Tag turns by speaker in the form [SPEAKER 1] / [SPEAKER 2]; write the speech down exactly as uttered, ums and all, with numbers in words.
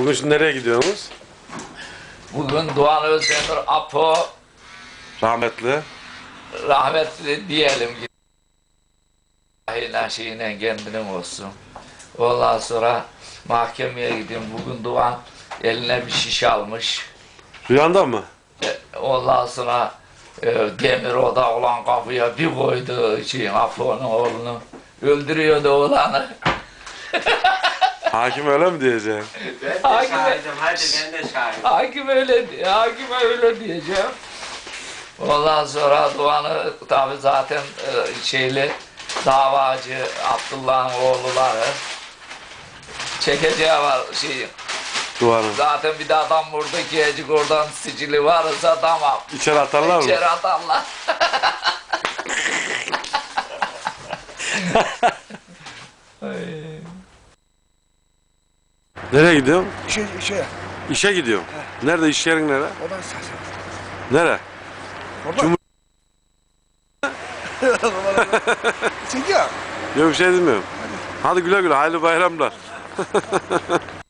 [SPEAKER 1] Bugün şimdi nereye gidiyorsunuz?
[SPEAKER 2] Bugün Doğan Özdemir Apo
[SPEAKER 1] Rahmetli.
[SPEAKER 2] rahmetli diyelim ki ilahiyle şeyine kendinin olsun. Ondan sonra mahkemeye gidiyorum. Bugün Doğan eline bir şiş almış.
[SPEAKER 1] Rüyanda mı?
[SPEAKER 2] E, Ondan sonra e, demir oda olan kapıya bir koydu şeyin Apo'nun oğlunu. Öldürüyordu oğlanı.
[SPEAKER 1] Hakim öyle mi diyeceksin?
[SPEAKER 3] Ben de
[SPEAKER 2] Hakim-
[SPEAKER 3] şahidim, hadi ben de şahidim.
[SPEAKER 2] Hakim öyle, hakime öyle diyeceğim. Ondan sonra Doğan'ı tabi zaten e, şeyli davacı Abdullah'ın oğulları çekeceği var şey.
[SPEAKER 1] Duvarın.
[SPEAKER 2] Zaten bir de adam vurdu ki ecik oradan sicili varsa tamam.
[SPEAKER 1] İçeri atarlar mı?
[SPEAKER 2] İçeri atarlar.
[SPEAKER 1] Nereye gidiyorsun?
[SPEAKER 4] İşe, işe.
[SPEAKER 1] İşe gidiyorum. Nerede, iş yerin nere?
[SPEAKER 4] Oradan sahsen.
[SPEAKER 1] Nere?
[SPEAKER 4] Oradan.
[SPEAKER 1] Cum-
[SPEAKER 4] Çekiyor.
[SPEAKER 1] Yok bir şey demiyorum. Hadi güle güle, hayırlı bayramlar.